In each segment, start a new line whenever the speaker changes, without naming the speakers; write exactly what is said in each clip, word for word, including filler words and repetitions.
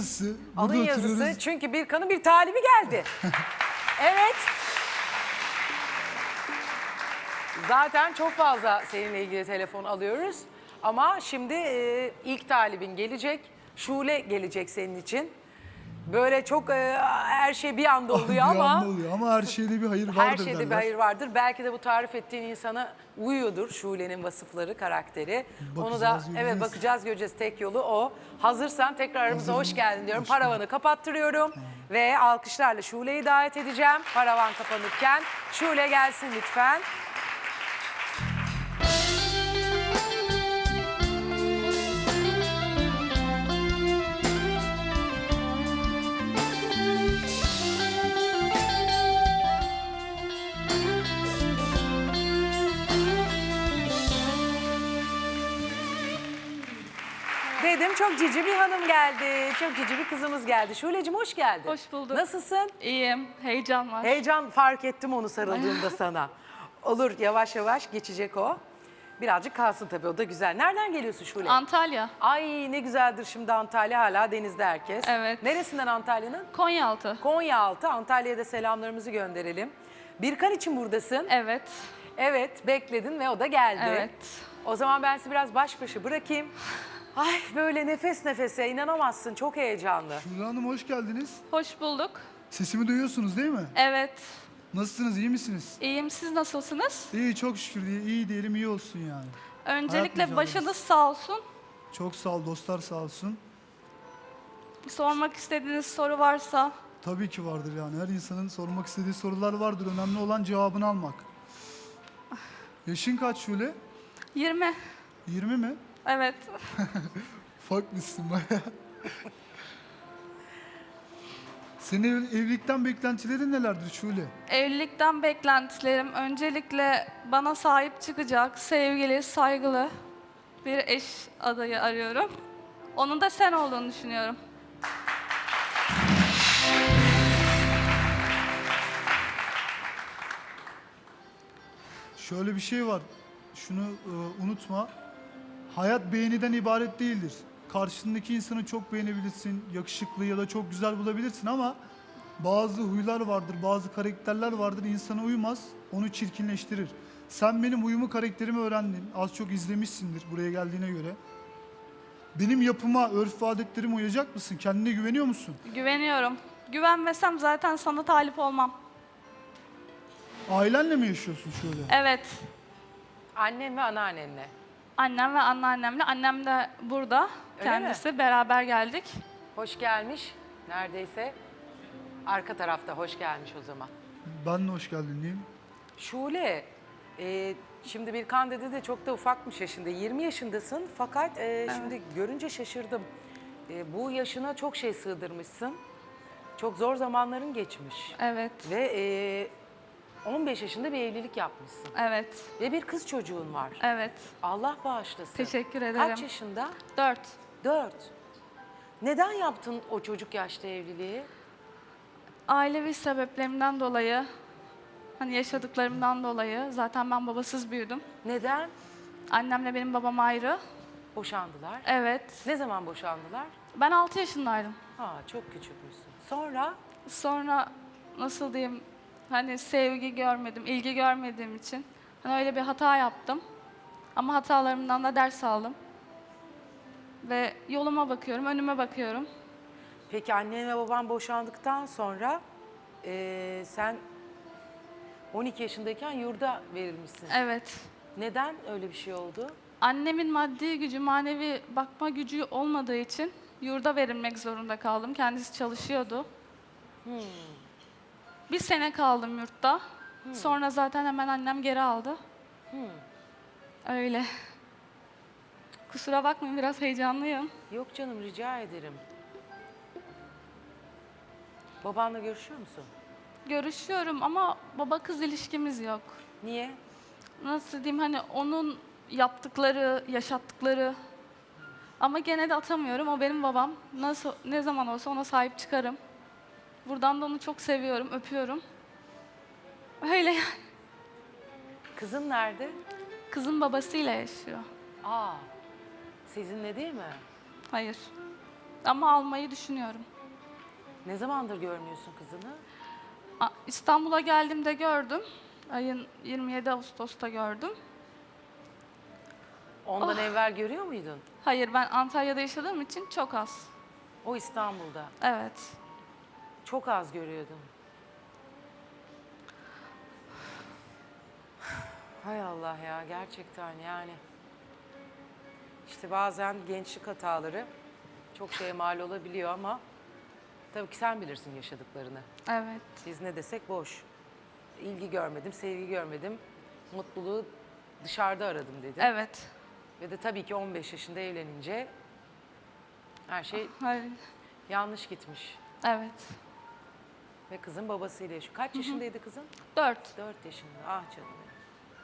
yazısı.
Alın
Burada
yazısı.
oturuyoruz.
Çünkü Birkan'ın bir talibi geldi. Evet. Zaten çok fazla seninle ilgili telefon alıyoruz. Ama şimdi e, ilk talibin gelecek. Şule gelecek senin için. Böyle çok e, her şey bir anda oluyor
Bir
ama
anda oluyor ama her şeyde bir hayır vardır
her şeyde
derler.
bir hayır vardır. Belki de bu tarif ettiğin insana uyuyordur Şule'nin vasıfları, karakteri. Onu da
Bakacağız,
evet
göreceğiz.
bakacağız, göreceğiz. Tek yolu o. Hazırsan tekrar aramıza
Hazırım.
hoş geldin diyorum.
Hoş bulduk.
Paravanı kapattırıyorum ve alkışlarla Şule'yi davet edeceğim. Paravan kapanırken Şule gelsin lütfen. Dedim çok cici bir hanım geldi. Çok cici bir kızımız geldi. Şule'cim hoş geldin.
Hoş bulduk.
Nasılsın?
İyiyim, heyecan var.
Heyecan fark ettim onu sarıldığımda sana. Olur yavaş yavaş geçecek o. Birazcık kalsın tabii o da güzel. Nereden geliyorsun Şule?
Antalya,
Ay ne güzeldir şimdi Antalya, hala denizde herkes.
Evet.
Neresinden Antalya'nın?
Konyaaltı.
Konyaaltı. Antalya'ya da selamlarımızı gönderelim. Birkan için buradasın.
Evet,
Evet bekledin ve o da geldi.
evet.
O zaman ben sizi biraz baş başa bırakayım. Ay böyle nefes nefese inanamazsın, çok heyecanlı.
Şule Hanım hoş geldiniz.
Hoş bulduk.
Sesimi duyuyorsunuz değil mi?
Evet,
Nasılsınız, iyi misiniz?
iyiyim. Siz nasılsınız?
İyi, çok şükür iyi, iyi diyelim, iyi olsun yani.
Öncelikle
mücadelesi.
başınız sağ olsun.
Çok sağ ol, dostlar sağ olsun.
Sormak istediğiniz soru varsa
Tabii ki vardır yani. Her insanın sormak istediği sorular vardır. Önemli olan cevabını almak. Yaşın kaç Şule?
yirmi.
yirmi mi?
Evet.
Ufakmışsın bayağı. Senin ev- evlilikten beklentilerin nelerdir Şule?
Evlilikten beklentilerim öncelikle bana sahip çıkacak, sevgili, saygılı bir eş adayı arıyorum. Onun da sen olduğunu düşünüyorum.
Şöyle bir şey var. Şunu e, unutma. Hayat beğeniden ibaret değildir. Karşındaki insanı çok beğenebilirsin, yakışıklı ya da çok güzel bulabilirsin ama bazı huylar vardır, bazı karakterler vardır, insana uymaz, onu çirkinleştirir. Sen benim uyumu, karakterimi öğrendin, az çok izlemişsindir buraya geldiğine göre. Benim yapıma, örf ve adetlerime uyacak mısın? Kendine güveniyor musun?
Güveniyorum. Güvenmesem zaten sana talip olmam.
Ailenle mi yaşıyorsun şöyle?
Evet.
Annen ve anneannenle.
Annem ve anneannemle. Annem de burada.
Öyle
Kendisi. Beraber geldik.
Hoş gelmiş neredeyse. Arka tarafta hoş gelmiş o zaman.
Ben de hoş geldin diyeyim.
Şule, e, şimdi Birkan dedi de çok da ufakmış yaşında. yirmi yaşındasın fakat e, şimdi görünce şaşırdım. E, bu yaşına çok şey sığdırmışsın. Çok zor zamanların geçmiş.
Evet.
Ve e, on beş yaşında bir evlilik yapmışsın.
Evet.
Ve bir kız çocuğun var.
Evet.
Allah bağışlasın.
Teşekkür ederim.
Kaç yaşında?
Dört.
Dört. Neden yaptın o çocuk yaşta evliliği?
Ailevi sebeplerimden dolayı, hani yaşadıklarımdan dolayı, zaten ben babasız büyüdüm.
Neden?
Annemle benim babam ayrı.
Boşandılar.
Evet.
Ne zaman boşandılar?
Ben altı yaşındaydım.
Ha çok küçükmüşsün. Sonra
Sonra nasıl diyeyim, hani sevgi görmedim, ilgi görmediğim için hani öyle bir hata yaptım. Ama hatalarımdan da ders aldım. Ve yoluma bakıyorum, önüme bakıyorum.
peki annen ve baban boşandıktan sonra eee, sen on iki yaşındayken yurda verilmişsin.
Evet.
Neden öyle bir şey oldu?
Annemin maddi gücü, manevi bakma gücü olmadığı için yurda verilmek zorunda kaldım. Kendisi çalışıyordu. Bir sene kaldım yurtta. Sonra zaten hemen annem geri aldı. Öyle. Kusura bakmayın, biraz heyecanlıyım.
Yok canım rica ederim. Babanla görüşüyor musun?
Görüşüyorum ama baba kız ilişkimiz yok.
Niye?
Nasıl diyeyim, hani onun yaptıkları, yaşattıkları ama gene de atamıyorum. O benim babam. Nasıl, ne zaman olsa ona sahip çıkarım. Buradan da onu çok seviyorum, öpüyorum. Öyle yani.
Kızın nerede?
Kızın babasıyla yaşıyor.
Aa, sizinle değil mi?
Hayır. Ama almayı düşünüyorum.
Ne zamandır görmüyorsun kızını?
A- İstanbul'a geldiğimde gördüm. Ayın yirmi yedi Ağustos'ta gördüm.
Ondan evvel görüyor muydun?
Hayır, ben Antalya'da yaşadığım için çok az.
O İstanbul'da.
Evet.
Çok az görüyordum. Hay Allah ya, gerçekten yani. İşte bazen gençlik hataları çok şeye mal olabiliyor ama tabii ki sen bilirsin yaşadıklarını.
Evet.
Biz ne desek boş. İlgi görmedim, sevgi görmedim. Mutluluğu dışarıda aradım dedin.
Evet.
Ve de tabii ki on beş yaşında evlenince her şey
Hayır.
yanlış gitmiş.
Evet.
Ve kızın babasıyla yaşıyor. Kaç yaşındaydı kızın?
Dört.
Dört yaşında. Ah canım benim.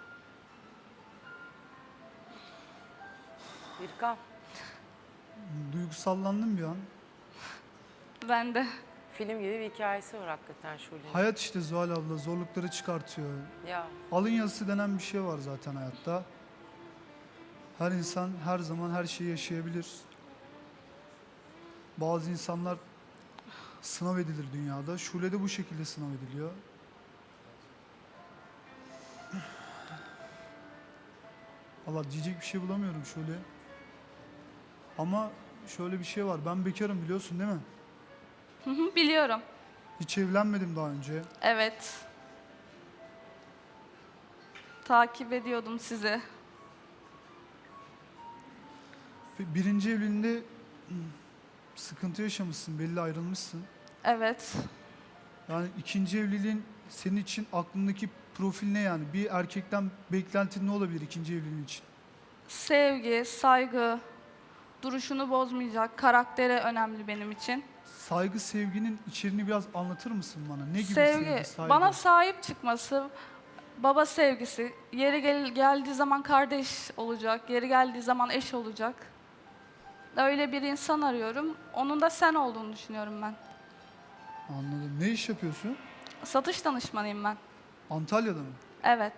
Birkan,
Duygusallandım bir an.
Ben de.
film gibi bir hikayesi var hakikaten Şule'nin.
Hayat işte Zuhal abla zorlukları çıkartıyor.
Ya
Alın yazısı denen bir şey var zaten hayatta. Her insan her zaman her şeyi yaşayabilir. Bazı insanlar sınav edilir dünyada. Şule de bu şekilde sınav ediliyor. Allah diyecek bir şey bulamıyorum Şule. Ama şöyle bir şey var. Ben bekarım biliyorsun değil mi?
Hı hı, biliyorum.
Hiç evlenmedim daha önce.
Evet. Takip ediyordum sizi.
Ve birinci evliliğinde hmm, sıkıntı yaşamışsın, belli ayrılmışsın.
Evet.
Yani ikinci evliliğin senin için aklındaki profil ne yani? Bir erkekten beklentin ne olabilir ikinci evliliğin için?
Sevgi, saygı, duruşunu bozmayacak, karakteri önemli benim için.
Saygı, sevginin içeriğini biraz anlatır mısın bana? Ne gibi
Sevgi,
sevgi, saygı?
bana sahip çıkması, baba sevgisi, yeri gel geldiği zaman kardeş olacak, yeri geldiği zaman eş olacak. Öyle bir insan arıyorum. Onun da sen olduğunu düşünüyorum ben.
Anladım. Ne iş yapıyorsun?
Satış danışmanıyım ben.
Antalya'da mı?
Evet.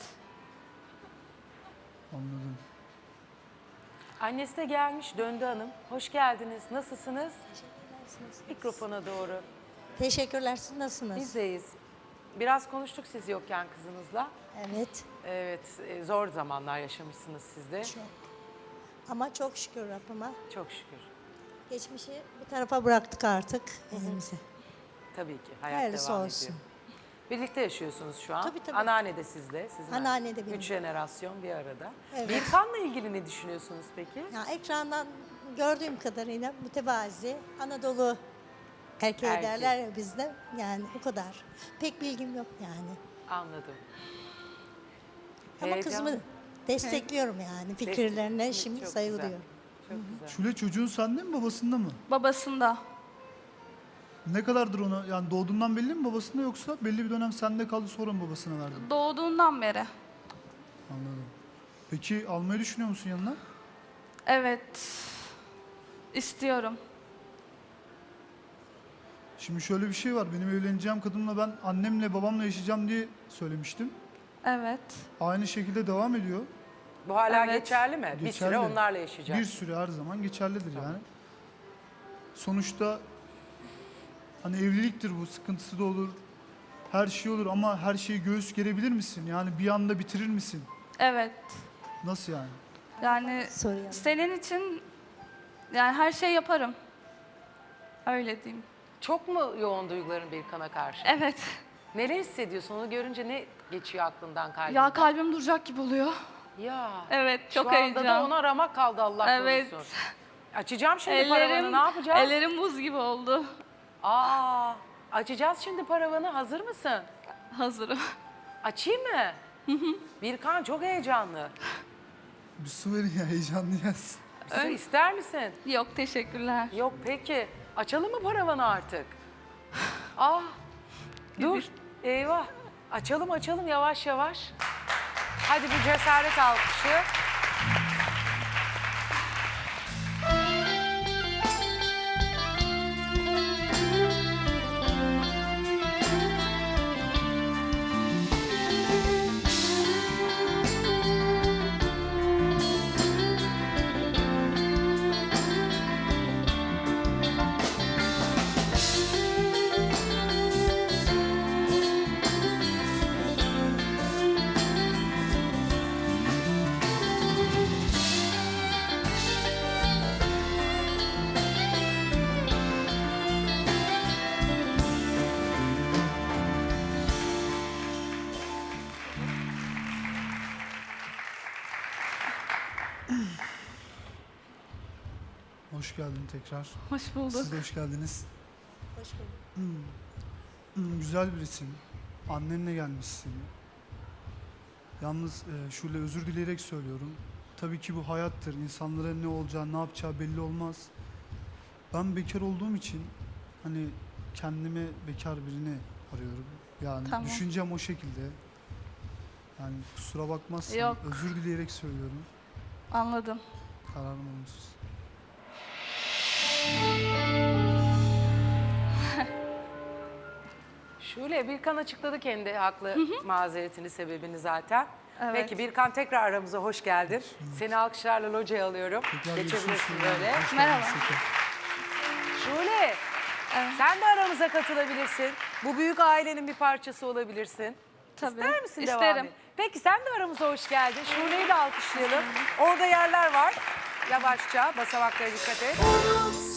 Anladım.
annesi de gelmiş, döndü hanım. Hoş geldiniz. Nasılsınız? Mikrofona doğru.
Teşekkürler. Siz nasılsınız?
Bizdeyiz. Biraz konuştuk siz yokken kızınızla.
Evet.
Evet, e, zor zamanlar yaşamışsınız siz de.
Çok. Ama çok şükür Rabbime.
Çok şükür.
Geçmişi bir tarafa bıraktık artık elimize.
Tabii ki. Hayat
Hayırlısı
devam
olsun.
ediyor. Birlikte yaşıyorsunuz şu an.
Tabii, tabii.
Anneanne de sizle. Sizin
Anneanne de benim.
Üç jenerasyon bir arada.
Evet.
Birkan'la ilgili ne düşünüyorsunuz peki?
Ya ekrandan gördüğüm kadarıyla mütevazi, Anadolu erkeği
Erkek.
derler ya bizde. Yani o kadar. Pek bilgim yok yani.
Anladım.
Ama
Heyecan.
kızımı destekliyorum yani fikirlerine.
Destek-
Şimdi
çok
saygı
güzel.
duyuyorum.
Çok güzel.
Şule çocuğun sende mi babasında mı?
Babasında.
Ne kadardır ona? Yani doğduğundan belli mi babasında yoksa belli bir dönem sende kaldı sonra mı babasına verdin?
Doğduğundan beri.
Anladım. Peki almayı düşünüyor musun yanına?
Evet. İstiyorum.
Şimdi şöyle bir şey var. Benim evleneceğim kadınla ben annemle babamla yaşayacağım diye söylemiştim.
Evet.
Aynı şekilde devam ediyor.
Bu hala
Evet.
geçerli mi? Bir
Geçerli.
süre onlarla yaşayacak.
Bir süre her zaman geçerlidir yani. Sonuçta hani evliliktir bu, sıkıntısı da olur. Her şey olur ama her şeyi göğüs gerebilir misin? Yani bir anda bitirir misin?
Evet.
Nasıl yani?
Yani
Soruyorum.
senin için yani her şey yaparım. Öyle diyeyim.
Çok mu yoğun duyguların Birkan'a karşı?
Evet.
Neler hissediyorsun? Onu görünce ne geçiyor aklından, kalbinden?
Ya kalbim duracak gibi oluyor.
Ya.
Evet, çok
Şu anda
heyecan.
da ona ramak kaldı Allah
Evet.
korusun. Açacağım şimdi paravanı,
Ellerim,
ne yapacağız?
ellerim buz gibi oldu.
Aa, açacağız şimdi paravanı. Hazır mısın?
Hazırım.
Açayım mı? Birkan çok heyecanlı.
Bir su verin ya heyecanlıyız.
Su ister misin?
Yok, teşekkürler.
Yok peki. Açalım mı paravanı artık? Ah, dur. Eyvah. Açalım açalım yavaş yavaş. Hadi bir cesaret alkışı.
Hoş geldin tekrar.
Hoş bulduk.
Siz de hoş geldiniz.
Hoş bulduk.
Hmm, güzel birisin. Annenle gelmişsin. Yalnız e, şöyle özür dileyerek söylüyorum. Tabii ki bu hayattır. İnsanların ne olacağı, ne yapacağı belli olmaz. Ben bekar olduğum için hani kendime bekar birini arıyorum. Yani
Tamam.
düşüncem o şekilde. Yani kusura bakmazsan
Yok.
özür dileyerek söylüyorum.
Anladım.
Kararım olumsuz.
Şule, Birkan açıkladı kendi haklı mazeretini, sebebini zaten.
Evet.
Peki Birkan, tekrar aramıza hoş geldin. Seni alkışlarla locaya alıyorum.
Tekrar
Geçebilirsin
görüşürüz.
böyle.
Hoş geldiniz
Merhaba.
tekrar.
Şule,
Evet.
sen de aramıza katılabilirsin. Bu büyük ailenin bir parçası olabilirsin.
Tabii.
İster misin devam
İsterim.
et? Peki sen de aramıza hoş geldin. Şule'yi de alkışlayalım. Orada yerler var. Yavaşça basamaklara dikkat et.